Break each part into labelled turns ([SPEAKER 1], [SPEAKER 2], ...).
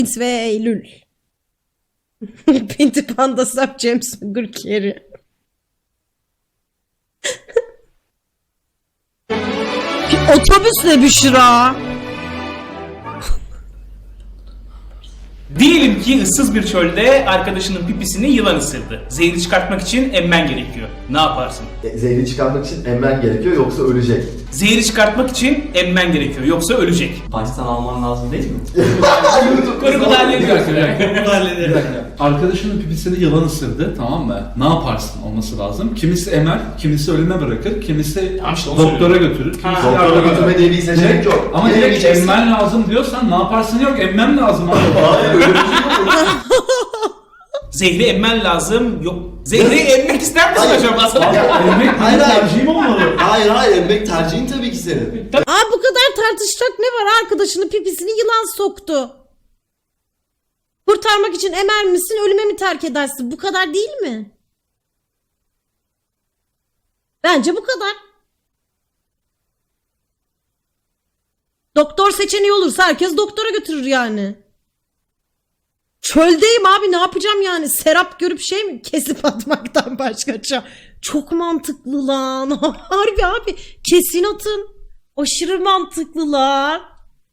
[SPEAKER 1] Pint ve Eylül. Pinti Panda Sap James Gurkeri. Otobüsle Büşra.
[SPEAKER 2] Diyelim ki ıssız bir çölde arkadaşının pipisini yılan ısırdı. Zehri çıkartmak için emmen gerekiyor. Ne yaparsın?
[SPEAKER 3] Zehri çıkarmak için emmen gerekiyor yoksa ölecek.
[SPEAKER 2] Zehri çıkartmak için emmen gerekiyor yoksa ölecek.
[SPEAKER 4] Baştan alman lazım değil mi?
[SPEAKER 2] Kurguda hallediyoruz.
[SPEAKER 5] Kurguda hallediyoruz. Arkadaşının pipisini yılan ısırdı, tamam mı? Ne yaparsın olması lazım? Kimisi emer, kimisi ölüme bırakır, kimisi
[SPEAKER 2] Tamam işte onu
[SPEAKER 5] doktora
[SPEAKER 2] söylüyorum.
[SPEAKER 5] götürür, kimisi
[SPEAKER 3] Doktora
[SPEAKER 5] yardıma
[SPEAKER 3] götürme
[SPEAKER 5] götürür.
[SPEAKER 3] diye bir seçenek yok.
[SPEAKER 5] Ama
[SPEAKER 3] Yine
[SPEAKER 5] direkt
[SPEAKER 3] gideceksin.
[SPEAKER 5] emmen lazım diyorsan ne yaparsın yok, emmem lazım abi.
[SPEAKER 3] Hayır öyle bir şey yok.
[SPEAKER 2] Zehri emmen lazım. Yok. Zehri emmek ister misin
[SPEAKER 3] Hayır.
[SPEAKER 2] acaba sana?
[SPEAKER 5] Emmek
[SPEAKER 3] Hayır,
[SPEAKER 5] benim
[SPEAKER 3] hayır.
[SPEAKER 5] tercihim olmalı.
[SPEAKER 3] Hayır emmek tercihin tabii ki senin.
[SPEAKER 1] Aa, bu kadar tartışacak ne var? Arkadaşının pipisini yılan soktu. Kurtarmak için emer misin, ölüme mi terk edersin? Bu kadar değil mi? Bence bu kadar. Doktor seçeneği olursa herkes doktora götürür yani. Çöldeyim abi, ne yapacağım yani? Serap görüp şey mi kesip atmaktan başka çok mantıklı lan. Harbi abi, kesin atın. Aşırı mantıklı lan.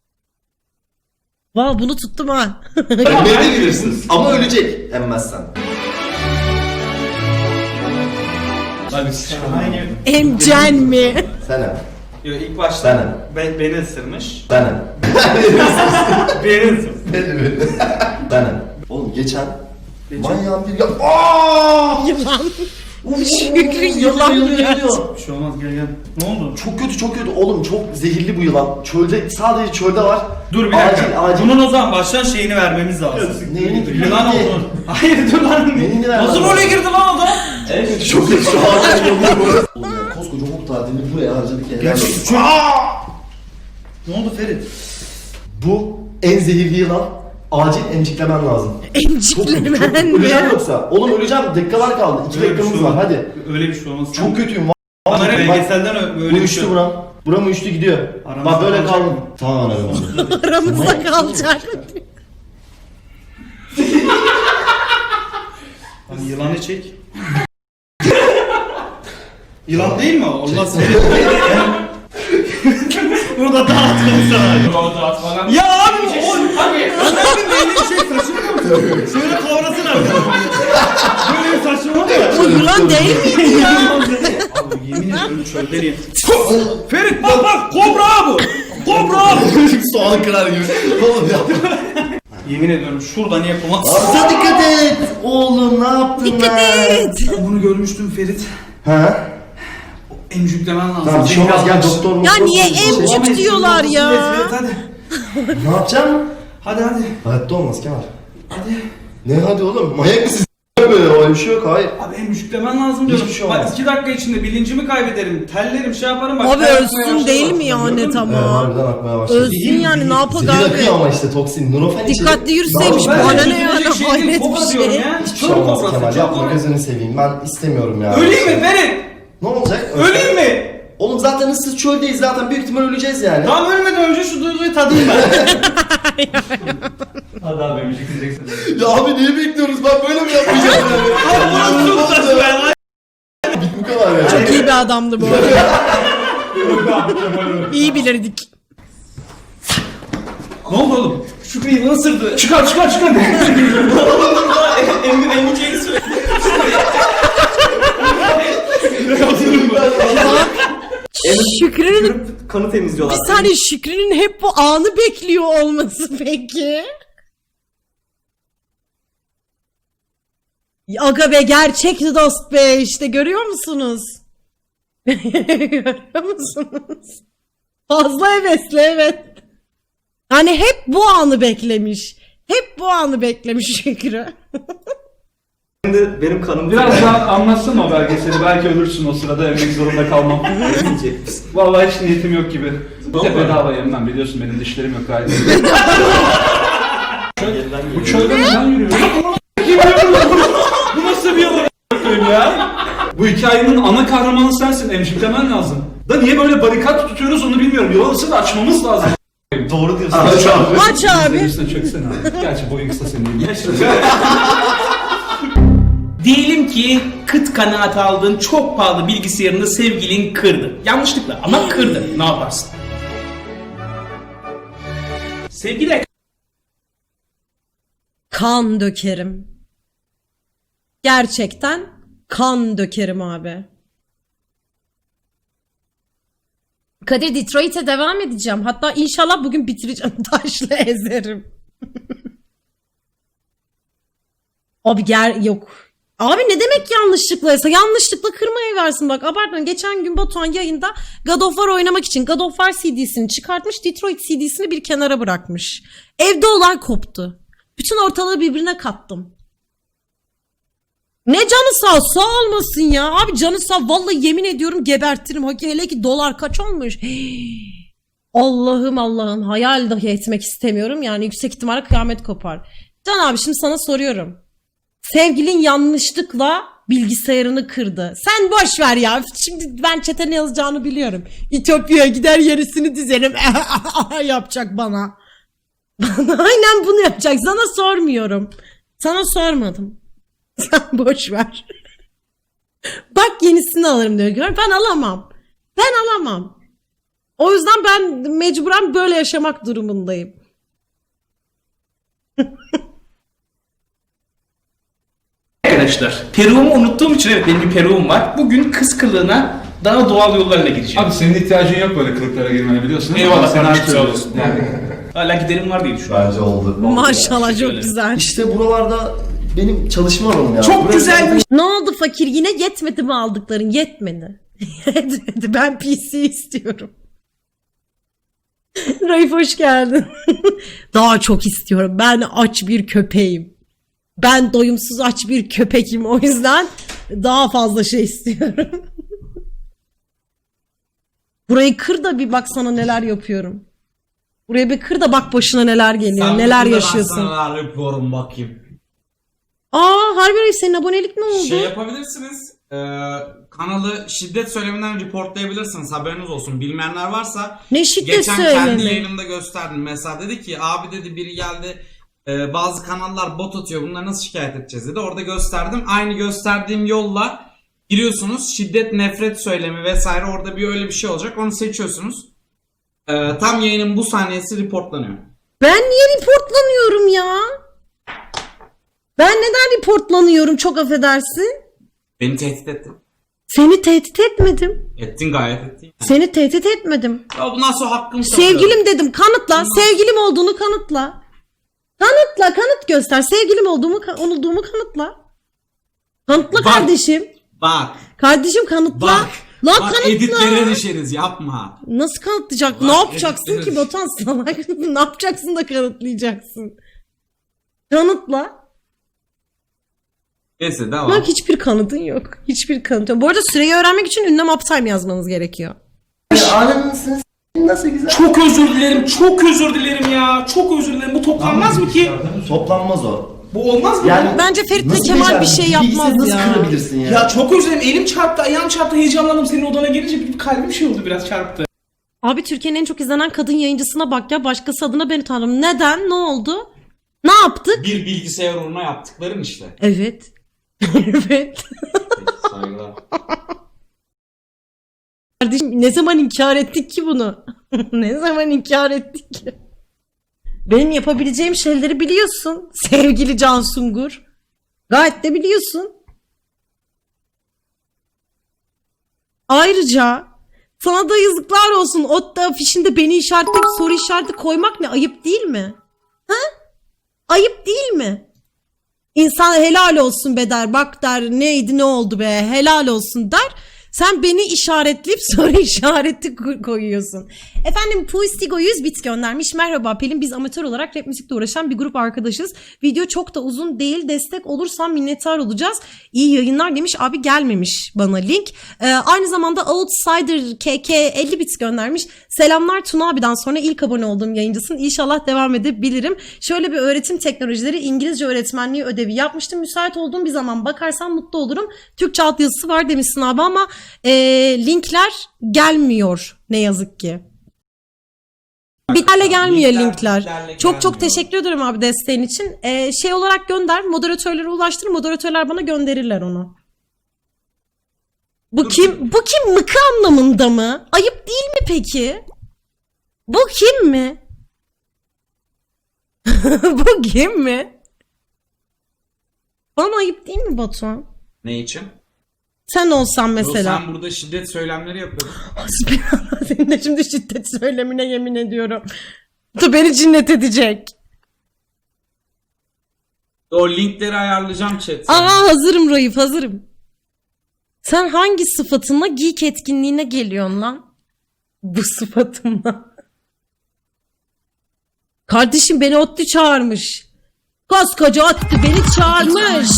[SPEAKER 1] Valla bunu tuttum ha.
[SPEAKER 3] Emmeyebilirsin ama ölecek emmezsen.
[SPEAKER 1] Emcen mi?
[SPEAKER 3] Sen em.
[SPEAKER 5] Yo, ilk
[SPEAKER 3] Ben
[SPEAKER 5] başta
[SPEAKER 3] em.
[SPEAKER 5] beni ısırmış.
[SPEAKER 3] Ben em.
[SPEAKER 5] Beni ısırmış.
[SPEAKER 3] Ben em. Oğlum geçen manyağın bir Aaaa!
[SPEAKER 1] Yılan. Şükrü yılan gerçi.
[SPEAKER 5] Bir şey olmaz gel. Ne oldu?
[SPEAKER 3] Çok kötü oğlum, çok zehirli bu yılan. Çölde, sadece çölde var.
[SPEAKER 5] Dur bir dakika.
[SPEAKER 3] Acil.
[SPEAKER 5] Bunun o zaman baştan şeyini vermemiz lazım.
[SPEAKER 3] Neyini?
[SPEAKER 5] Yılan olduğunu. Hayır dur lan.
[SPEAKER 3] Neyini ver
[SPEAKER 5] Nasıl
[SPEAKER 3] lan?
[SPEAKER 5] role girdi lan o da?
[SPEAKER 3] Evet, çok kötü şu an. Oğlum ya koskoca hukuk tatilini buraya harcadık ya.
[SPEAKER 5] Gerçekten çok... Ne oldu Ferit?
[SPEAKER 3] Bu en zehirli yılan. Acil emciklemen lazım.
[SPEAKER 1] Emciklemen mi?
[SPEAKER 3] Öleceğim yoksa. Oğlum öleceğim. Dakikalar kaldı. 2
[SPEAKER 5] Öyle bir
[SPEAKER 3] dakikamız
[SPEAKER 5] şey
[SPEAKER 3] var
[SPEAKER 5] olmaz.
[SPEAKER 3] hadi.
[SPEAKER 5] Öyle bir şey olmaz.
[SPEAKER 3] Çok kötüyüm.
[SPEAKER 5] Bana
[SPEAKER 3] Bak,
[SPEAKER 5] belgeselden
[SPEAKER 3] bu
[SPEAKER 5] öyle bir
[SPEAKER 3] üçlü
[SPEAKER 5] şey.
[SPEAKER 3] buram. Buram üçlü gidiyor.
[SPEAKER 5] Aramızda
[SPEAKER 3] Bak böyle
[SPEAKER 5] kalacak
[SPEAKER 3] kaldım.
[SPEAKER 5] mı?
[SPEAKER 3] Tamam aramızda.
[SPEAKER 1] Aramızda kalacak.
[SPEAKER 5] Hani yılanı çek. Yılan değil mi o? Allah seni. Bunu da dağıtalım sana.
[SPEAKER 2] Oldu atmadan.
[SPEAKER 5] Ya abi o abi. Adamın beynini şey taşımıyor mu? Şöyle kavrasın abi. Böyle bir saçma mı?
[SPEAKER 1] O yılan değil miydi ya?
[SPEAKER 5] Abi yemin ediyorum çölde Ferit bak kobra bu. Kobra.
[SPEAKER 3] Soğan kırar gibi. Oğlum ya.
[SPEAKER 5] Yemin ediyorum şuradan yapılmaz.
[SPEAKER 3] Ağzına dikkat et. Oğlum ne yaptın
[SPEAKER 1] Dikkat et.
[SPEAKER 5] Ben bunu görmüştüm Ferit.
[SPEAKER 3] Ha?
[SPEAKER 5] Emcüklemen lazım.
[SPEAKER 3] Tamam bir şey olmaz gel doktor mu?
[SPEAKER 1] Ya niye emcik diyorlar ya?
[SPEAKER 5] Evet hadi.
[SPEAKER 3] Ne yapacağım?
[SPEAKER 5] Hadi.
[SPEAKER 3] Hayatta olmaz Kemal.
[SPEAKER 5] Hadi.
[SPEAKER 3] Ne hadi oğlum? Manyak mısın? Böyle öyle bir şey yok hayır.
[SPEAKER 5] Abi emcüklemen lazım diyorum.
[SPEAKER 3] Hiçbir şey olmaz.
[SPEAKER 5] Bak 2 dakika içinde bilincimi kaybederim. Tellerim şey yaparım. Bak,
[SPEAKER 1] Abi
[SPEAKER 5] ter akmaya
[SPEAKER 1] ölsün
[SPEAKER 5] başladı
[SPEAKER 1] değil
[SPEAKER 5] bak.
[SPEAKER 1] mi ya
[SPEAKER 5] Gördün
[SPEAKER 1] net
[SPEAKER 5] mü?
[SPEAKER 1] ama?
[SPEAKER 3] Harbiden akmaya başladı.
[SPEAKER 1] Ölsün yani, ne yapak
[SPEAKER 3] Zehir akıyor
[SPEAKER 1] abi?
[SPEAKER 3] ama işte toksin. Nurofen içeri.
[SPEAKER 1] Dikkatli yürüseymiş,
[SPEAKER 3] Ne yapayım?
[SPEAKER 1] bana
[SPEAKER 5] Ben
[SPEAKER 1] ne yani,
[SPEAKER 5] üzülecek şey değil,
[SPEAKER 1] hayret
[SPEAKER 5] kobra
[SPEAKER 1] bir
[SPEAKER 5] diyorum
[SPEAKER 1] şey.
[SPEAKER 5] ya.
[SPEAKER 3] Hiçbir şey
[SPEAKER 5] Çöl
[SPEAKER 3] olmaz
[SPEAKER 5] kobrası,
[SPEAKER 3] Kemal
[SPEAKER 5] çöl
[SPEAKER 3] yapma
[SPEAKER 5] kobrası.
[SPEAKER 3] gözünü seveyim ben istemiyorum ya.
[SPEAKER 5] Öleyim mi Ferit?
[SPEAKER 3] Ne olacak?
[SPEAKER 5] Öleyim mi?
[SPEAKER 3] Oğlum zaten ıssız çöldeyiz zaten büyük ihtimal öleceğiz yani.
[SPEAKER 5] Tamam ölmeden önce şu duyguyu tadayım ben. Hadi abi emcik diyeceksin.
[SPEAKER 3] Ya abi niye bekliyoruz ben böyle mi yapmayacağım yani?
[SPEAKER 5] Abi bunu çok saçma ya.
[SPEAKER 3] Bu kadar ya.
[SPEAKER 1] Çok iyi bir adamdı bu arada. İyi bilirdik.
[SPEAKER 5] Ne oldu oğlum? Şükrü yılan ısırdı. Çıkar. Emcik sürekli.
[SPEAKER 1] Şükrü'nün
[SPEAKER 4] Kanı temizliyorlar.
[SPEAKER 1] bir saniye, Şükrü'nün hep bu anı bekliyor olması peki. Aga be, gerçek dost be, işte görüyor musunuz? Görüyor musunuz? Fazla hevesli, evet. Hani hep bu anı beklemiş. Hep bu anı beklemiş Şükrü.
[SPEAKER 4] Şimdi benim kanım
[SPEAKER 5] Biraz daha anlatsana o belgeseli. Belki ölürsün o sırada emmek zorunda kalmam.
[SPEAKER 4] Ölmeyecek misin?
[SPEAKER 5] Vallahi hiç niyetim yok gibi. Bir de
[SPEAKER 4] Vallahi.
[SPEAKER 5] bedava yemem, biliyorsun benim dişlerim yok gayet.
[SPEAKER 4] Yeniden
[SPEAKER 5] Bu
[SPEAKER 4] geliyor.
[SPEAKER 5] çölde neden yürüyor? Bu nasıl bir yalan ya? Bu hikayenin ana kahramanı sensin, emciklemen lazım. Da niye böyle barikat tutuyoruz onu bilmiyorum. Yol ısır açmamız lazım. muyum?
[SPEAKER 3] Doğru diyorsun.
[SPEAKER 4] Aç abi.
[SPEAKER 1] Aç abi.
[SPEAKER 5] Üstüne çöksene abi. Gerçi boyun kısa senin değil.
[SPEAKER 2] Diyelim ki kıt kanaat aldığın çok pahalı bilgisayarını sevgilin kırdı. Yanlışlıkla ama kırdı. Ne yaparsın? Sevgili
[SPEAKER 1] Kan dökerim. Gerçekten kan dökerim abi. Kadir, Detroit'e devam edeceğim. Hatta inşallah bugün bitireceğim. Taşla ezerim. Abi yok. Abi ne demek yanlışlıklaysa? Yanlışlıkla kırmaya versin bak. Abartmayın. Geçen gün Batuhan yayında God of War oynamak için God of War CD'sini çıkartmış. Detroit CD'sini bir kenara bırakmış. Evde olay koptu. Bütün ortalığı birbirine kattım. Ne canı sağ olmasın ya. Abi canı sağ, vallahi yemin ediyorum gebertirim. Hele ki dolar kaç olmuş. Allah'ım hayal dahi etmek istemiyorum. Yani yüksek ihtimalle kıyamet kopar. Can abi şimdi sana soruyorum. Sevgilin yanlışlıkla bilgisayarını kırdı. Sen boş ver ya. Şimdi ben chat'e ne yazacağını biliyorum. İtopya'ya gider yarısını dizerim. Yapacak bana. Aynen bunu yapacak. Sana sormuyorum. Sana sormadım. Sen boş ver. Bak yenisini alırım diyor. Ben alamam. O yüzden ben mecburen böyle yaşamak durumundayım.
[SPEAKER 2] arkadaşlar, peruğumu unuttuğum için, evet benim bir peruğum var. Bugün kız kılığına daha doğal yollarla gideceğim.
[SPEAKER 5] Abi senin ihtiyacın yok böyle kılıklara girmeye, biliyorsun değil mi?
[SPEAKER 2] Eyvallah
[SPEAKER 5] Sen
[SPEAKER 2] kardeşim,
[SPEAKER 5] her
[SPEAKER 2] sağ
[SPEAKER 5] türlü-
[SPEAKER 2] olasın.
[SPEAKER 5] Yani.
[SPEAKER 2] Hala giderim var diye düşünüyorum.
[SPEAKER 3] Bence oldu.
[SPEAKER 1] Maşallah çok
[SPEAKER 2] Öyle.
[SPEAKER 1] güzel.
[SPEAKER 3] İşte buralarda benim çalışma alanım ya.
[SPEAKER 2] Çok
[SPEAKER 3] Burası
[SPEAKER 2] güzelmiş.
[SPEAKER 1] Ne oldu fakir, yine yetmedi mi aldıkların? Yetmedi. Yetmedi. Ben PC istiyorum. Raif hoş geldin. Daha çok istiyorum. Ben aç bir köpeğim. Ben doyumsuz aç bir köpekim. O yüzden daha fazla şey istiyorum. Burayı kır da bir bak sana neler yapıyorum. Buraya bir kır da bak başına neler geliyor. Neler yaşıyorsun.
[SPEAKER 6] Ben sana neler yapıyorum bakayım.
[SPEAKER 1] Harbi Raif, senin abonelik ne oldu?
[SPEAKER 6] Şey yapabilirsiniz. Kanalı şiddet söyleminden reportlayabilirsiniz. Haberiniz olsun. Bilmeyenler varsa.
[SPEAKER 1] Ne şiddet
[SPEAKER 6] Geçen kendi
[SPEAKER 1] söylemi?
[SPEAKER 6] yayınımda gösterdim. Mesela dedi ki abi dedi biri geldi. Bazı kanallar bot atıyor. Bunları nasıl şikayet edeceğiz dedi. Orada gösterdim. Aynı gösterdiğim yolla giriyorsunuz. Şiddet, nefret söylemi vesaire. Orada öyle bir şey olacak. Onu seçiyorsunuz. Tam yayının bu saniyesi reportlanıyor.
[SPEAKER 1] Ben niye reportlanıyorum ya? Ben neden reportlanıyorum, çok affedersin?
[SPEAKER 6] Beni tehdit ettin.
[SPEAKER 1] Seni tehdit etmedim.
[SPEAKER 6] Ettin, gayet ettin.
[SPEAKER 1] Seni tehdit etmedim.
[SPEAKER 6] Ya bundan sonra hakkım
[SPEAKER 1] Sevgilim dedim, kanıtla. Sevgilim olduğunu kanıtla. Kanıt göster. Sevgilim olduğumu kanıtla. Kanıtla
[SPEAKER 6] Bak.
[SPEAKER 1] kardeşim.
[SPEAKER 6] Bak.
[SPEAKER 1] Kardeşim kanıtla.
[SPEAKER 6] Bak.
[SPEAKER 1] Lan
[SPEAKER 6] Bak
[SPEAKER 1] kanıtla.
[SPEAKER 6] editlere düşeriz, yapma.
[SPEAKER 1] Nasıl kanıtlayacak?
[SPEAKER 6] Bak,
[SPEAKER 1] Ne yapacaksın
[SPEAKER 6] editleri-
[SPEAKER 1] ki Batuhan salak? Ne yapacaksın da kanıtlayacaksın? Kanıtla.
[SPEAKER 6] Neyse devam.
[SPEAKER 1] Bak hiçbir kanıtın yok. Hiçbir kanıtın yok. Bu arada süreyi öğrenmek için ünlem uptime yazmanız gerekiyor.
[SPEAKER 3] Ananısınız. Nasıl güzel.
[SPEAKER 2] Çok özür dilerim, çok özür dilerim ya. Çok özür dilerim. Bu toplanmaz mı ki?
[SPEAKER 3] Toplanmaz o.
[SPEAKER 2] Bu olmaz mı?
[SPEAKER 3] Yani
[SPEAKER 1] Bence Ferit'le
[SPEAKER 3] nasıl
[SPEAKER 1] Kemal bir
[SPEAKER 3] becerdin?
[SPEAKER 1] şey yapmaz
[SPEAKER 3] Bilgisayarı
[SPEAKER 1] ya.
[SPEAKER 3] nasıl kırabilirsin ya?
[SPEAKER 2] Ya çok özür dilerim. Elim çarptı, ayağım çarptı, heyecanlandım. Senin odana gelince bir kalbim şey oldu, biraz çarptı.
[SPEAKER 1] Abi Türkiye'nin en çok izlenen kadın yayıncısına bak ya. Başkası adına beni tanırım. Neden? Ne oldu? Ne yaptık?
[SPEAKER 6] Bir bilgisayar uğruna yaptıkların işte.
[SPEAKER 1] Evet. Evet.
[SPEAKER 6] Peki, saygılar.
[SPEAKER 1] Kardeşim ne zaman inkar ettik ki bunu? Ne zaman inkar ettik ki? Benim yapabileceğim şeyleri biliyorsun. Sevgili Can Sungur. Gayet de biliyorsun. Ayrıca sana da yazıklar olsun. O afişinde beni işaretleyip soru işareti koymak ne? Ayıp değil mi? Ha? Ayıp değil mi? İnsan helal olsun be der. Bak der, neydi ne oldu be, helal olsun der. Sen beni işaretleyip soru işareti koyuyorsun. Efendim Puistigo 100 bit göndermiş. Merhaba Pelin, biz amatör olarak rap müzikle uğraşan bir grup arkadaşız. Video çok da uzun değil. Destek olursan minnettar olacağız. İyi yayınlar demiş. Abi gelmemiş bana link. Aynı zamanda Outsider KK 50 bit göndermiş. Selamlar Tuna abiden sonra ilk abone olduğum yayıncısın. İnşallah devam edebilirim. Şöyle bir öğretim teknolojileri İngilizce öğretmenliği ödevi yapmıştım. Müsait olduğum bir zaman bakarsan mutlu olurum. Türkçe altyazısı var demişsin abi ama linkler gelmiyor ne yazık ki. Bitlerle gelmiyor linkler.
[SPEAKER 6] bitlerle
[SPEAKER 1] Çok çok
[SPEAKER 6] gelmiyor.
[SPEAKER 1] teşekkür ederim abi desteğin için. Şey olarak gönder, moderatörlere ulaştır, moderatörler bana gönderirler onu. Bu kim? Bu kim, mıkı anlamında mı? Ayıp değil mi peki? Bu kim mi? Bu kim mi? Bana ayıp değil mi Batuhan?
[SPEAKER 6] Ne için?
[SPEAKER 1] Sen olsan
[SPEAKER 6] Yo,
[SPEAKER 1] mesela.
[SPEAKER 6] sen burada şiddet söylemleri yapıyordun.
[SPEAKER 1] Hasbinallah, senin de şimdi şiddet söylemine yemin ediyorum. Bu beni cinnet edecek.
[SPEAKER 6] O linkleri ayarlayacağım chat.
[SPEAKER 1] Aa, hazırım Raif, hazırım. Sen hangi sıfatınla geek etkinliğine geliyorsun lan? Bu sıfatımla. Kardeşim beni Otti çağırmış. Koskoca Otti beni çağırmış.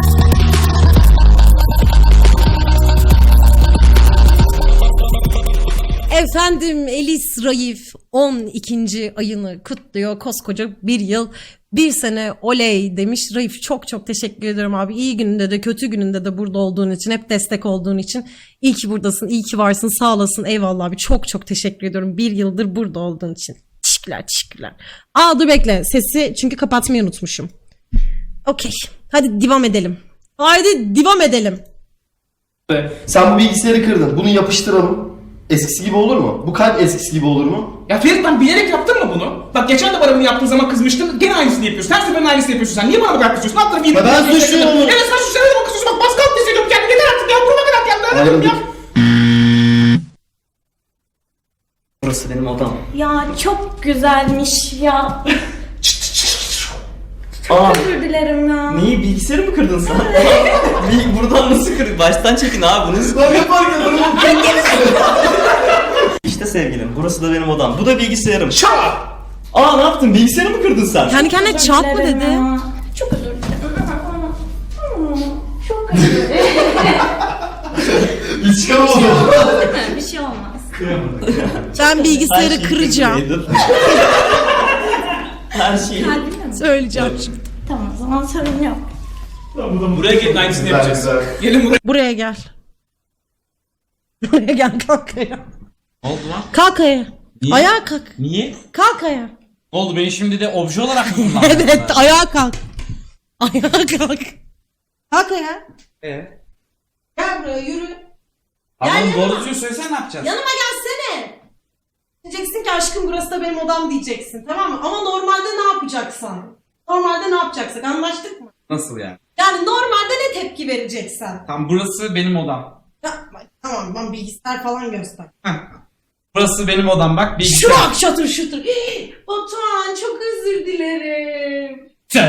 [SPEAKER 1] Efendim Elis Raif 12. ayını kutluyor. Koskoca bir yıl, bir sene oley demiş. Raif çok çok teşekkür ederim abi. İyi gününde de kötü gününde de burada olduğun için, hep destek olduğun için. İyi ki buradasın, iyi ki varsın, sağ olasın. Eyvallah abi, çok çok teşekkür ediyorum. Bir yıldır burada olduğun için. Teşekkürler, teşekkürler. Aa dur bekle, sesi çünkü kapatmayı unutmuşum. Okey, hadi devam edelim. Haydi devam edelim.
[SPEAKER 3] Sen bu bilgisayarı kırdın. Bunu yapıştıralım. Eskisi gibi olur mu? Bu kalp eskisi gibi olur mu?
[SPEAKER 2] Ya Ferit, ben bilerek yaptın mı bunu? Bak geçen de bana bunu yaptığın zaman kızmıştın. Gene aynısını yapıyorsun. Her seferin aynısını yapıyorsun sen. Niye bana bu kadar kızıyorsun? Ne yaptın?
[SPEAKER 3] Ya ben suçluyum onu.
[SPEAKER 2] Evet sen suçluyorsun. Ne zaman kızıyorsun? Bak baskı altında hissediyorum kendimi. Yeter artık ya. Buruma kadar geldi. Anladım ya.
[SPEAKER 4] Burası benim odam.
[SPEAKER 7] Ya çok güzelmiş ya.
[SPEAKER 4] Aa,
[SPEAKER 7] Özür dilerim ya.
[SPEAKER 4] neyi, bilgisayarı mı kırdın sen? Buradan nasıl kırdın? Baştan çekin abi bunu.
[SPEAKER 3] Ben yaparken
[SPEAKER 4] İşte sevgilim, burası da benim odam. Bu da bilgisayarım.
[SPEAKER 2] Şaa!
[SPEAKER 4] Aa, ne yaptın? Bilgisayarı mı kırdın sen?
[SPEAKER 1] Kendi kendine
[SPEAKER 7] Özür
[SPEAKER 1] çarp mı
[SPEAKER 7] dilerim
[SPEAKER 1] dedi?
[SPEAKER 7] ya. Çok özür dilerim. Çok özür dilerim.
[SPEAKER 3] hiç çıkamadım.
[SPEAKER 7] Bir şey olmaz.
[SPEAKER 1] Ben bilgisayarı
[SPEAKER 4] Her şeyi
[SPEAKER 1] kıracağım.
[SPEAKER 4] kırdım. Her şeyi.
[SPEAKER 7] Kalbimle mi?
[SPEAKER 1] Söyleyeceğim.
[SPEAKER 7] Tamam, o zaman sorun yok.
[SPEAKER 2] Buraya gelin, aynısını
[SPEAKER 3] Güzel,
[SPEAKER 2] yapacağız.
[SPEAKER 3] güzel.
[SPEAKER 2] Gelin buraya.
[SPEAKER 1] Buraya gel. Buraya gel, kalk ayağa.
[SPEAKER 6] Ne oldu lan?
[SPEAKER 1] Kalk ayağa.
[SPEAKER 6] Niye?
[SPEAKER 1] Ayağa kalk.
[SPEAKER 6] Niye?
[SPEAKER 1] Kalk ayağa.
[SPEAKER 6] Ne oldu? Beni şimdi de obje olarak mı kullandın?
[SPEAKER 1] Evet, ayağa kalk. Ayağa kalk. Kalk ayağa. Gel buraya, yürü.
[SPEAKER 6] Adam doğru düzgün söylesene, ne yapacağız?
[SPEAKER 1] Yanıma gelsene. Diyeceksin ki aşkım burası da benim odam diyeceksin, tamam mı? Ama normalde ne yapacaksan? Normalde ne yapacaksak, anlaştık mı?
[SPEAKER 6] Nasıl yani?
[SPEAKER 1] Yani normalde ne tepki vereceksen?
[SPEAKER 6] Tamam, burası benim odam.
[SPEAKER 1] Tamam, ben bilgisayar falan göster.
[SPEAKER 6] Heh. Burası benim odam, bak bilgisayar.
[SPEAKER 1] Şu bak, şatır şutur. Batuhan, çok özür dilerim.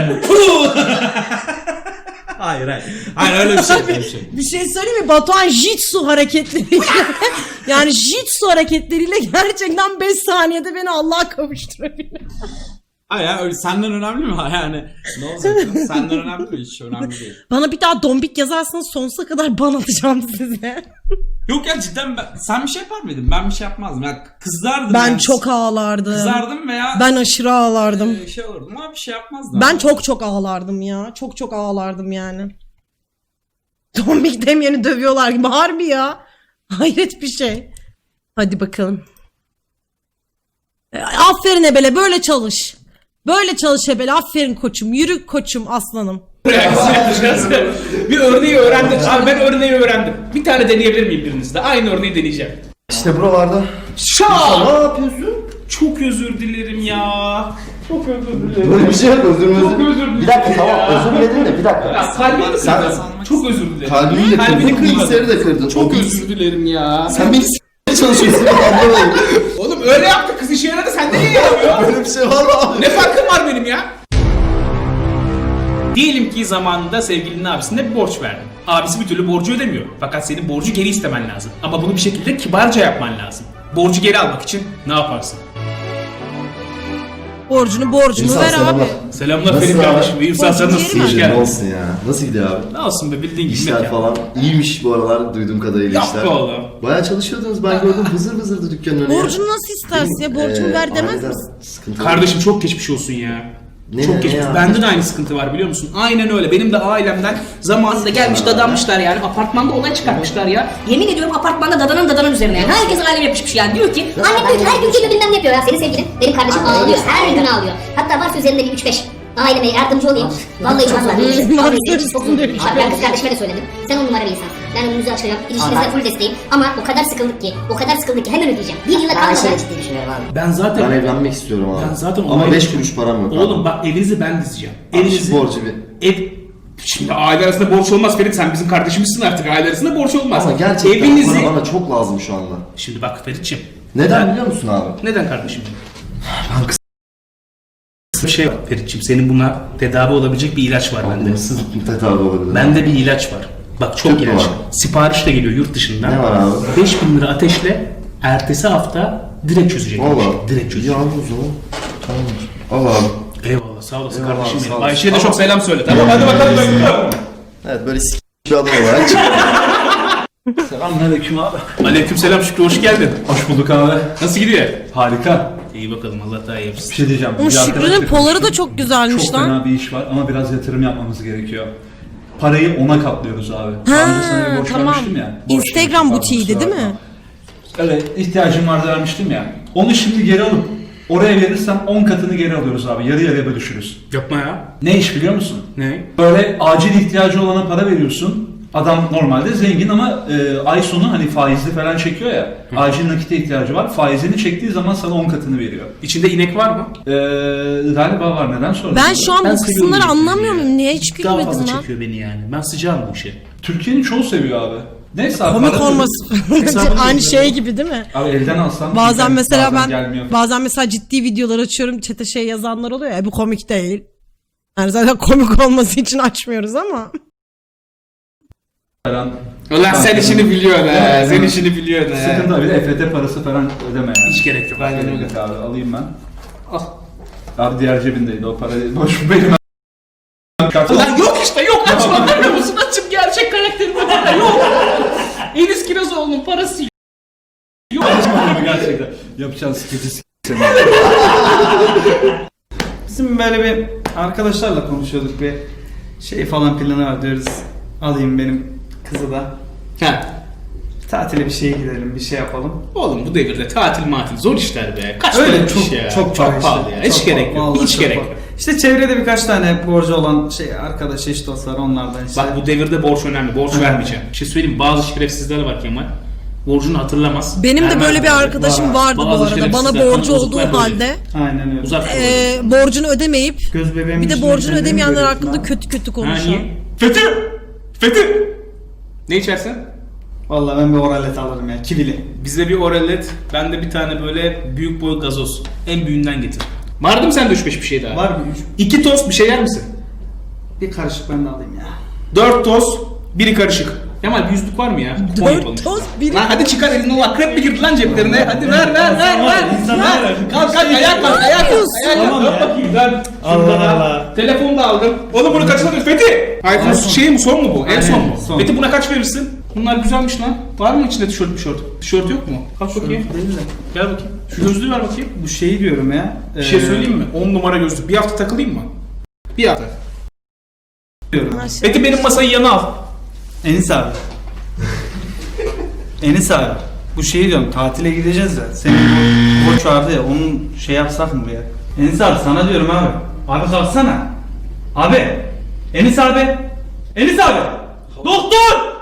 [SPEAKER 6] Hayır hayır. Hayır, öyle bir şey. Öyle bir şey.
[SPEAKER 1] Bir şey söyleyeyim mi? Batuhan jitsu hareketleriyle yani jitsu hareketleriyle gerçekten 5 saniyede beni Allah'a kavuşturabilir.
[SPEAKER 6] Hayır ya, öyle senden önemli mi? Yani ne olacak? Senden önemli mi? Hiç önemli değil.
[SPEAKER 1] Bana bir daha dombik yazarsanız sonsuza kadar ban atacağım size.
[SPEAKER 6] Yok ya, cidden sen bir şey yapar mıydın? Ben bir şey yapmazdım. Ya kızardım.
[SPEAKER 1] Ben
[SPEAKER 6] yani.
[SPEAKER 1] çok ağlardım.
[SPEAKER 6] Kızardım veya
[SPEAKER 1] Ben aşırı ağlardım.
[SPEAKER 6] şey olurdum ama bir şey yapmazdım.
[SPEAKER 1] Ben çok ağlardım ya. Çok ağlardım yani. Dombik demeyeni dövüyorlar gibi. Harbi ya. Hayret bir şey. Hadi bakalım. Aferin Ebele, böyle çalış. Böyle çalış Ebele. Aferin koçum. Yürü koçum, aslanım.
[SPEAKER 2] Reaksiyon yapacağız. Bir örneği öğrendim. Abi ben örneği öğrendim. Bir tane deneyebilir miyim birinizde? Aynı örneği deneyeceğim.
[SPEAKER 3] İşte buralarda.
[SPEAKER 2] Şaa!
[SPEAKER 3] Ne yapıyorsun?
[SPEAKER 2] Çok özür dilerim ya. Çok özür dilerim.
[SPEAKER 3] Böyle bir şey yok, özür
[SPEAKER 2] Çok özür dilerim.
[SPEAKER 3] Bir dakika, tamam,
[SPEAKER 2] ya.
[SPEAKER 3] özür diledin de bir dakika.
[SPEAKER 2] Ya kalbini kırdın.
[SPEAKER 6] Sen-
[SPEAKER 2] Çok özür dilerim.
[SPEAKER 3] Kalbini de
[SPEAKER 2] Kalbini
[SPEAKER 3] kırdın,
[SPEAKER 2] kırmadın.
[SPEAKER 3] bilgisayarı da kırdın.
[SPEAKER 2] Çok
[SPEAKER 3] O
[SPEAKER 2] özür dilerim ya.
[SPEAKER 3] Sen beni s**meye çalışıyorsun, anlamayın.
[SPEAKER 2] Oğlum öyle yaptı, kız işe yaradı, sende niye yaramıyor?
[SPEAKER 3] Böyle bir şey var mı abi?
[SPEAKER 2] Ne farkım var benim ya? Diyelim ki zamanında sevgilinin abisine bir borç verdin. Abisi bir türlü borcu ödemiyor. Fakat senin borcu geri istemen lazım. Ama bunu bir şekilde kibarca yapman lazım. Borcu geri almak için ne yaparsın?
[SPEAKER 1] Borcunu
[SPEAKER 3] İnsan
[SPEAKER 1] ver abi.
[SPEAKER 3] selamlar.
[SPEAKER 2] Selamlar
[SPEAKER 3] Nasıl
[SPEAKER 2] Ferit
[SPEAKER 3] abi?
[SPEAKER 2] kardeşim. İyi sen
[SPEAKER 1] Borcu
[SPEAKER 2] nasılsın?
[SPEAKER 1] geri
[SPEAKER 2] Hoş
[SPEAKER 1] ver.
[SPEAKER 3] Ne
[SPEAKER 2] geldin.
[SPEAKER 3] olsun ya? Nasıl gidiyor abi?
[SPEAKER 2] Ne olsun be, bildiğin gibi.
[SPEAKER 3] İşler
[SPEAKER 2] mekan.
[SPEAKER 3] falan iyiymiş bu aralar duyduğum kadarıyla
[SPEAKER 2] Yap
[SPEAKER 3] işler.
[SPEAKER 2] be oğlum.
[SPEAKER 3] Bayağı çalışıyordunuz, ben gördüm vızır vızırdı dükkanın önüne.
[SPEAKER 1] Borcunu nasıl istersin ya? Borcumu ver demez
[SPEAKER 3] aileden
[SPEAKER 1] misin?
[SPEAKER 3] sıkıntı
[SPEAKER 2] Kardeşim çok geçmiş olsun ya. Çok geçmiş.
[SPEAKER 3] ya?
[SPEAKER 2] Bende de aynı sıkıntı var biliyor musun? Aynen öyle. Benim de ailemden zamanında gelmiş dadanmışlar yani. Apartmanda olay çıkartmışlar ya.
[SPEAKER 8] Yemin ediyorum apartmanda dadanın üzerine yani. Herkes alem yapışmış yani. Diyor ki annem diyor ki her gün geliyor bilmem ne yapıyor ya. Senin sevgilin benim kardeşim ağlıyor. Her gün ağlıyor. Hatta varsa üzerinde bir 3-5 aileme yardımcı olayım. Vallahi çok zor. Vallahi çok zor. Ben kız kardeşime de söyledim. Sen 10 numara bir insansın. Ben önümüzü açacağım. İlişkinizde full desteğim. Ama o kadar sıkıldık ki hemen ödeyeceğim. Bir yıla kalmadan.
[SPEAKER 3] ciddi düşünüyorum abi.
[SPEAKER 2] Ben zaten...
[SPEAKER 3] Ben evlenmek istiyorum abi.
[SPEAKER 2] Ben zaten
[SPEAKER 3] Ama
[SPEAKER 2] onaylı
[SPEAKER 3] 5
[SPEAKER 2] düşünüyorum.
[SPEAKER 3] kuruş param yok.
[SPEAKER 2] Oğlum
[SPEAKER 3] abi.
[SPEAKER 2] bak evinizi ben dizeceğim.
[SPEAKER 3] Evinizi borcu bir.
[SPEAKER 2] Ev... Şimdi aile arasında borç olmaz Ferit, sen bizim kardeşimizsin artık, aile arasında borç olmaz.
[SPEAKER 3] Ama gerçekten
[SPEAKER 2] evinizi...
[SPEAKER 3] para bana çok lazım şu anda.
[SPEAKER 2] Şimdi bak Ferit'ciğim.
[SPEAKER 3] Neden biliyor musun abi?
[SPEAKER 2] Neden kardeşim? Bir şey var Ferit'ciğim, senin buna tedavi olabilecek bir ilaç var bende.
[SPEAKER 3] Hırsızlık tedavi olabilir.
[SPEAKER 2] Bende bir ilaç var. Bak çok
[SPEAKER 3] Tüp mü
[SPEAKER 2] ilaç.
[SPEAKER 3] var?
[SPEAKER 2] Sipariş de geliyor yurt dışından.
[SPEAKER 3] Ne var abi?
[SPEAKER 2] 5.000 lira ateşle ertesi hafta direkt çözecek.
[SPEAKER 3] Valla.
[SPEAKER 2] Direkt çözecek.
[SPEAKER 3] İyi abi o zaman. Tamamdır. Al abi.
[SPEAKER 2] Eyvallah sağ olasın
[SPEAKER 3] Eyvallah
[SPEAKER 2] kardeşim
[SPEAKER 3] abi,
[SPEAKER 2] benim.
[SPEAKER 3] sağ olasın.
[SPEAKER 2] Ayşe'ye de
[SPEAKER 3] Ama-
[SPEAKER 2] çok selam söyle. Tamam hadi bakalım.
[SPEAKER 3] Evet böyle bir adam olarak
[SPEAKER 5] Selamünaleyküm abi.
[SPEAKER 2] Aleyküm selam Şükrü, hoş geldin.
[SPEAKER 5] Hoş bulduk abi.
[SPEAKER 2] Nasıl gidiyor?
[SPEAKER 5] Harika.
[SPEAKER 2] İyi bakalım, Allah daha iyi
[SPEAKER 5] Bir
[SPEAKER 2] yapsın.
[SPEAKER 5] şey diyeceğim.
[SPEAKER 1] Oğlum
[SPEAKER 5] Bir
[SPEAKER 1] Şükrü'nün
[SPEAKER 5] arkadaşla
[SPEAKER 1] poları da
[SPEAKER 5] konuştum.
[SPEAKER 1] çok güzelmiş
[SPEAKER 5] Çok
[SPEAKER 1] lan.
[SPEAKER 5] fena bir iş var ama biraz yatırım yapmamız gerekiyor. Parayı ona katlıyoruz abi.
[SPEAKER 1] Ha,
[SPEAKER 5] Daha önce sana bir borç
[SPEAKER 1] tamam.
[SPEAKER 5] vermiştim ya. Borç
[SPEAKER 1] Instagram
[SPEAKER 5] vermiştim,
[SPEAKER 1] butiğiydi
[SPEAKER 5] pardon,
[SPEAKER 1] değil mi?
[SPEAKER 5] kusura bakma. Evet, ihtiyacım vardı vermiştim ya. Onu şimdi geri alıp oraya verirsem 10 katını geri alıyoruz abi. Yarı yarıya bölüşürüz.
[SPEAKER 2] Yapma ya.
[SPEAKER 5] Ne iş biliyor musun?
[SPEAKER 2] Ne?
[SPEAKER 5] Böyle acil ihtiyacı olana para veriyorsun. Adam normalde zengin ama ay sonu hani faizli falan çekiyor ya. Acil nakite ihtiyacı var. Faizini çektiği zaman sana 10 katını veriyor.
[SPEAKER 2] İçinde inek var mı?
[SPEAKER 5] Galiba var. Neden sordun?
[SPEAKER 1] Ben şu an
[SPEAKER 2] Ben
[SPEAKER 1] bu
[SPEAKER 2] seviyorum
[SPEAKER 1] kısımları
[SPEAKER 2] bu işi
[SPEAKER 1] anlamıyor
[SPEAKER 2] ya.
[SPEAKER 1] muyum? Niye hiç
[SPEAKER 2] Daha
[SPEAKER 1] gülmedin
[SPEAKER 2] fazla
[SPEAKER 1] lan?
[SPEAKER 2] çekiyor beni yani. Ben sıcağım bu işe.
[SPEAKER 5] Türkiye'nin çoğu seviyor abi. Neyse abi.
[SPEAKER 1] Komik
[SPEAKER 5] para-
[SPEAKER 1] olması
[SPEAKER 2] Hesabını
[SPEAKER 1] aynı
[SPEAKER 2] bilmiyorum.
[SPEAKER 1] şey gibi değil mi?
[SPEAKER 5] Abi elden alsam.
[SPEAKER 1] Bazen
[SPEAKER 5] çünkü
[SPEAKER 1] mesela
[SPEAKER 5] bazen gelmiyor.
[SPEAKER 1] bazen mesela ciddi videolar açıyorum, chat'e şey yazanlar oluyor ya, bu komik değil. Yani zaten komik olması için açmıyoruz ama.
[SPEAKER 5] Falan.
[SPEAKER 2] Ulan sen işini biliyorsun ha. Sen işini biliyorsun ha.
[SPEAKER 5] Sıkıntı abi de EFT parası falan ödeme yani.
[SPEAKER 2] Hiç gerek yok. Aynen öyle.
[SPEAKER 5] Evet abi alayım ben.
[SPEAKER 2] Al.
[SPEAKER 5] Abi diğer cebindeydi o para değil. Boş benim.
[SPEAKER 2] Ulan yok işte yok. Açma görmüyor musun? Açıp gerçek karakterime bak. Yok. Enis Kirazoğlu'nun parası yok.
[SPEAKER 5] Gerçekten. Yapacağın sıkıntı
[SPEAKER 9] Bizim böyle bir arkadaşlarla konuşuyorduk, bir şey falan planı var diyoruz. Alayım benim kızı da.
[SPEAKER 2] Ha.
[SPEAKER 9] Tatile bir şeye gidelim, bir şey yapalım.
[SPEAKER 2] Oğlum bu devirde tatil matil zor işler be. Kaç
[SPEAKER 9] Öyle
[SPEAKER 2] para
[SPEAKER 9] çok
[SPEAKER 2] ya.
[SPEAKER 9] çok
[SPEAKER 2] pahalı ya. Hiç gerek yok. Hiç gerek yok.
[SPEAKER 9] İşte çevrede birkaç tane borcu olan şey arkadaş, eş dost var, onlardan işte.
[SPEAKER 2] Bak bu devirde borç önemli. Borç vermeyeceğim. Bir şey söyleyeyim, bazı şerefsizler var Kemal. Borcunu hatırlamaz.
[SPEAKER 1] Benim de
[SPEAKER 2] vermez
[SPEAKER 1] böyle bir
[SPEAKER 2] yani.
[SPEAKER 1] arkadaşım vardı bu
[SPEAKER 2] Bazı
[SPEAKER 1] arada. Bana
[SPEAKER 2] şerefsizler,
[SPEAKER 1] borcu
[SPEAKER 2] kan
[SPEAKER 1] olduğu
[SPEAKER 2] bozuklar böyle.
[SPEAKER 1] halde
[SPEAKER 9] Aynen öyle.
[SPEAKER 2] Uzak
[SPEAKER 1] borcunu ödemeyip
[SPEAKER 9] Göz bebeğim
[SPEAKER 1] bir de
[SPEAKER 9] içinde
[SPEAKER 1] borcunu
[SPEAKER 9] kendimi
[SPEAKER 1] ödemeyenler
[SPEAKER 9] görüyorum
[SPEAKER 1] hakkında
[SPEAKER 9] lan.
[SPEAKER 1] kötü kötü
[SPEAKER 2] Ha
[SPEAKER 1] konuşan.
[SPEAKER 2] niye? Fethi! Fethi! Ne içersen?
[SPEAKER 9] Vallahi ben bir oralet alırım ya, kivili.
[SPEAKER 2] Bize bir oralet, ben de bir tane böyle büyük boy gazoz. En büyüğünden getir. Var değil mi sende 3-5 bir şey daha?
[SPEAKER 9] Var mı?
[SPEAKER 2] 2 tost bir şey yer misin?
[SPEAKER 9] Bir karışık ben de alayım ya.
[SPEAKER 2] 4 tost, biri karışık. Kemal bir yüzlük var mı ya? Kupon yapalım.
[SPEAKER 1] 4 tost biri.
[SPEAKER 2] Lan hadi çıkar elini, o akrep mi girdi lan ceplerine? Hadi ver. Kalk ayak kalk.
[SPEAKER 9] Tamam ya.
[SPEAKER 2] Bakayım lan.
[SPEAKER 9] Allah Allah.
[SPEAKER 2] Telefonu da aldım. Oğlum bunu kaçına diyorsun Fethi? iPhone şey mi, son mu bu? En
[SPEAKER 9] Aynen,
[SPEAKER 2] son mu?
[SPEAKER 9] son.
[SPEAKER 2] Fethi buna kaç verirsin? Bunlar güzelmiş lan. Var mı içinde tişört? Tişört yok mu? Kalk bakayım. Gel bakayım. Şu gözlüğü ver bakayım.
[SPEAKER 9] Bu şeyi diyorum ya.
[SPEAKER 2] Bir şey söyleyeyim mi? 10 numara gözlük. Bir hafta takılayım mı? Bir hafta.
[SPEAKER 9] Diyorum.
[SPEAKER 2] Fethi benim masayı yana al.
[SPEAKER 9] Enis abi. Enis abi. Bu şeyi diyorum, tatile gideceğiz ya. Senin bu borç vardı ya, onun şey yapsak mı ya? Enis abi sana diyorum abi. Abi kalksana. Abi. Enis abi. Enis abi. Doktor.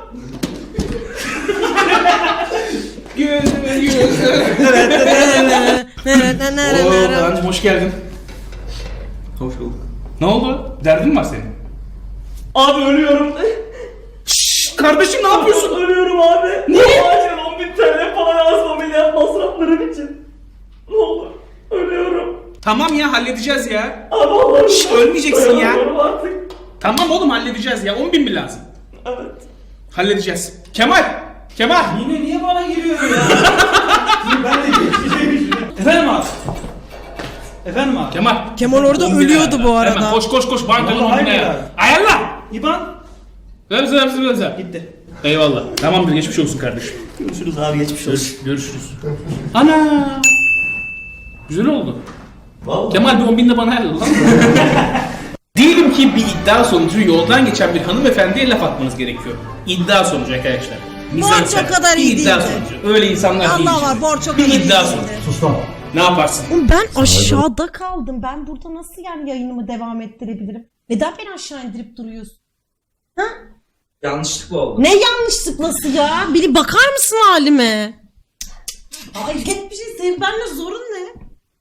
[SPEAKER 2] Oo Kaan'cım hoş geldin.
[SPEAKER 9] Hoş bulduk.
[SPEAKER 2] Ne oldu? Derdin mi var senin?
[SPEAKER 4] Abi ölüyorum.
[SPEAKER 2] Şşş kardeşim ne yapıyorsun?
[SPEAKER 4] Ölüyorum abi. Niye? Acil 10.000 TL falan lazım ameliyat masraflarım için. Ne olur. Ölüyorum.
[SPEAKER 2] Tamam ya halledeceğiz ya.
[SPEAKER 4] Abi Allah'ım.
[SPEAKER 2] Şşş ölmeyeceksin ya.
[SPEAKER 4] Ölüyorum artık.
[SPEAKER 2] Tamam oğlum halledeceğiz ya. 10.000 mi lazım?
[SPEAKER 4] Evet.
[SPEAKER 2] Halledeceğiz. Kemal!
[SPEAKER 9] Yine niye bana giriyor ya? Şimdi ben de geçeceğim. Efendim abi. Efendim abi.
[SPEAKER 2] Kemal!
[SPEAKER 1] Kemal orada
[SPEAKER 2] 10.000
[SPEAKER 1] ölüyordu
[SPEAKER 2] ayarla.
[SPEAKER 1] bu arada.
[SPEAKER 2] Hemen koş bankanın
[SPEAKER 9] Vallahi
[SPEAKER 2] 10.000
[SPEAKER 9] hayır
[SPEAKER 2] ayarla.
[SPEAKER 9] ya.
[SPEAKER 2] Ayarla!
[SPEAKER 9] İban.
[SPEAKER 2] Ver.
[SPEAKER 9] Gitti.
[SPEAKER 2] Eyvallah. Tamamdır geçmiş olsun kardeşim.
[SPEAKER 4] Görüşürüz abi geçmiş olsun.
[SPEAKER 2] Görüşürüz. Ana! Güzel oldu.
[SPEAKER 3] Vallahi.
[SPEAKER 2] Kemal bir 10 bin de bana ayarladı lan. Diyelim ki bir iddia sonucu yoldan geçen bir hanımefendiye laf atmanız gerekiyor. İddia sonucu arkadaşlar.
[SPEAKER 1] Borç o kadar
[SPEAKER 2] bir
[SPEAKER 1] iyi
[SPEAKER 2] iddia
[SPEAKER 1] değildi.
[SPEAKER 2] sonucu. Öyle insanlar değil.
[SPEAKER 1] Allah
[SPEAKER 2] işte.
[SPEAKER 1] var, borç o
[SPEAKER 2] Bir
[SPEAKER 1] kadar iyi
[SPEAKER 2] iddia
[SPEAKER 1] değildi.
[SPEAKER 2] sonucu.
[SPEAKER 5] Sus lan.
[SPEAKER 2] Ne yaparsın?
[SPEAKER 1] Oğlum ben aşağıda kaldım. Ben burada nasıl yani yayınımı devam ettirebilirim? Neden beni aşağı indirip duruyorsun?
[SPEAKER 6] Yanlışlıkla oldu.
[SPEAKER 1] Ne yanlışlık nasıl ya? Bir bakar mısın halime? Ay hep bir şey, senin benimle zorun ne?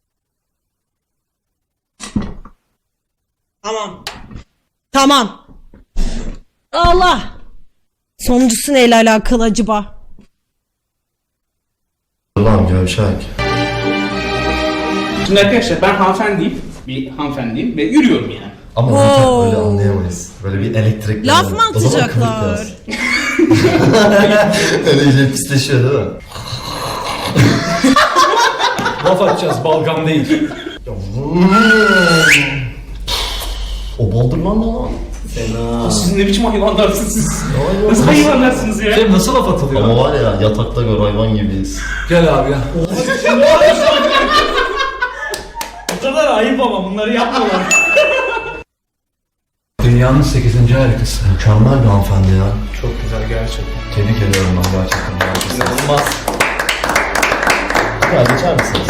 [SPEAKER 1] Tamam. Tamam. Allah. Sonuncusu neyle alakalı acaba?
[SPEAKER 3] Allah'ım gevşek.
[SPEAKER 2] Şimdi arkadaşlar ben hanımefendiyim. Bir hanımefendiyim ve yürüyorum yani.
[SPEAKER 3] Ama zaten öyle anlayamayız. Böyle bir elektrik.
[SPEAKER 1] Laf mı atacaklar?
[SPEAKER 3] Öyle iyice pisleşiyor değil mi?
[SPEAKER 5] Laf atacağız, balgam değil.
[SPEAKER 3] O baldırman ne lan? Fena.
[SPEAKER 2] Siz ne biçim hayvanlarsınız siz?
[SPEAKER 3] Hayvan.
[SPEAKER 2] Nasıl hayvanlarsınız ya?
[SPEAKER 5] Cem nasıl laf atılıyor?
[SPEAKER 3] Ama var ya yatakta gör hayvan gibiyiz.
[SPEAKER 5] Gel abi ya.
[SPEAKER 9] Bu kadar ayıp ama bunları yapmıyorlar.
[SPEAKER 5] Dünyanın 8. harikası.
[SPEAKER 3] Mükemmel bir hanımefendi ya.
[SPEAKER 2] Çok güzel gerçekten.
[SPEAKER 3] Tebrik ediyorum ben gerçekten. İnanılmaz. Ya geçer misiniz?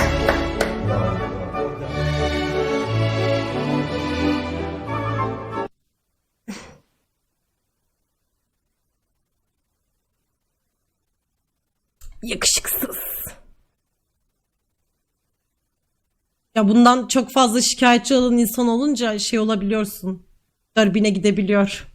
[SPEAKER 1] Yakışıksız. Ya bundan çok fazla şikayetçi olan insan olunca şey olabiliyorsun. Darbine gidebiliyor.